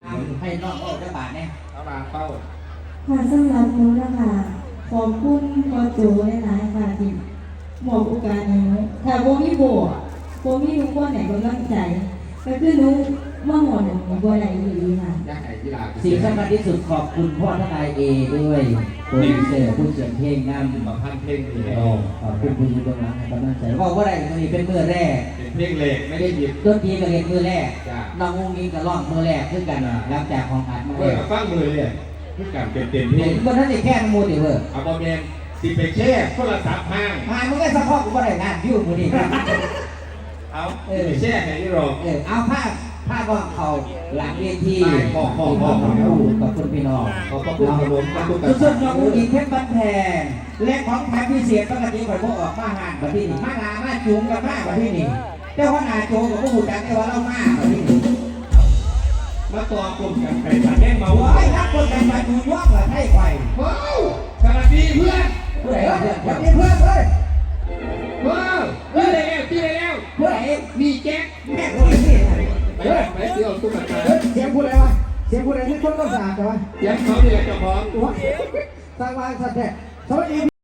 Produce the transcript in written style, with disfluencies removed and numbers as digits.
ให้นอกโลกได้บาทเนี่ยเอามาเป้าค่ะสำหรับหนูนะคะขอบคุณพ่อโจหลายๆค่ะที่มอบโอกาสให้หนูถ้าโบมีโบมีทุกคนไหนกำลังใจก็คือหนูมาหมดหนูบ่ได้ดีค่ะสิ่งสำคัญที่สุดขอบคุณพ่อทนายเอด้วยโปรดิวเซอร์ผู้เขียนเพลงนำมาพันเพลงนี้ขอบคุณคุณผู้ชมนะกำลังใจว่าได้ตรงนี้เป็นมือแรกเป็นเพลงเล็กไม่ได้หยิบดนตรีก็เรียนมือแรกน้องงงงิงก็ร้องมือแรกขึ้นกันหลังจากของอัดมาเลยฟังมือเลยคือการเต็มเพลงบนนั้นแค่มูดิเวอร์เอาบอมเมนสิไปแช่โทรศัพท์ห้างมึงก็สะพอกกูบ่ได้งานวิวมูดิเอาไปแช่ไหนนี่รอเอาผ้าก็เขาหลังเวทีขอบคุณพี่น้องขอบคุณขนมขอบคุณสุดๆน้องอุ้งอิงเพชรบันแพงและของแถมพิเศษปกติข่อยพวกออกมาหานแบบที่นี่มานามาจุงกันมากแบบที่นี่เจ้าว่านาโจกับพวกหูจักได้ว่าเรามากแบบที่นี่มาตัวกลุ่มกันไปตัดแดงมาว้ายนักคนกันมาดูย่องละให้ไข่ว้าวสวัสดีเพื่อนผู้ใดเพื่อนสวัสดีเพื่อนเลยว้าวเพื่อนได้แล้วที่ได้แล้วผู้ใดมีแจ็คแม่คนนี้ไปเที่ยวตุ้มตาเสียงผู้ใดวะเสียงผู้ใดที่คนต้องสะอาดแต่ว่ายังเขาเนี่ยเจ้าของสร้างวางสัตว์แท้สวัสดี